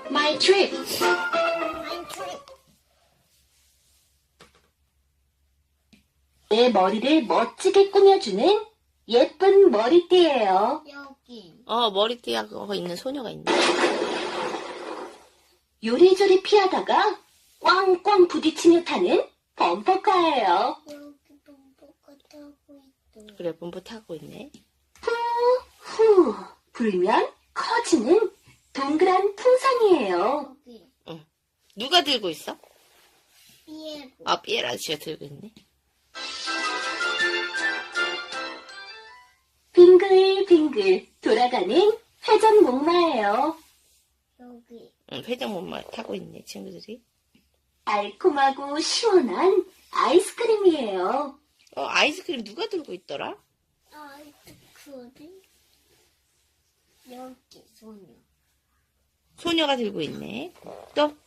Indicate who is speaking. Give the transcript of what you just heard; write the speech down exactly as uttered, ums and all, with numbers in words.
Speaker 1: My trip. 내 머리를 멋지게 꾸며주는 예쁜 머리띠예요.
Speaker 2: 여기.
Speaker 1: 어, 머리띠하고 있는 소녀가 있네. 요리조리 피하다가 꽝꽝 부딪히며 타는 범퍼카예요.
Speaker 2: 여기 범퍼카 타고 있어.
Speaker 1: 그래, 범퍼 타고 있네. 후, 후, 불면 커지는 동그란 풍선이에요.
Speaker 2: 여기.
Speaker 1: 응. 누가 들고 있어?
Speaker 2: 피에로.
Speaker 1: 아, 피에라 아저씨가 들고 있네. 빙글빙글 돌아가는 회전 목마예요.
Speaker 2: 여기.
Speaker 1: 응, 회전 목마 타고 있네, 친구들이. 달콤하고 시원한 아이스크림이에요. 어, 아이스크림 누가 들고 있더라?
Speaker 2: 아, 그 어디? 여기 소녀.
Speaker 1: 소녀가 들고 있네. 또?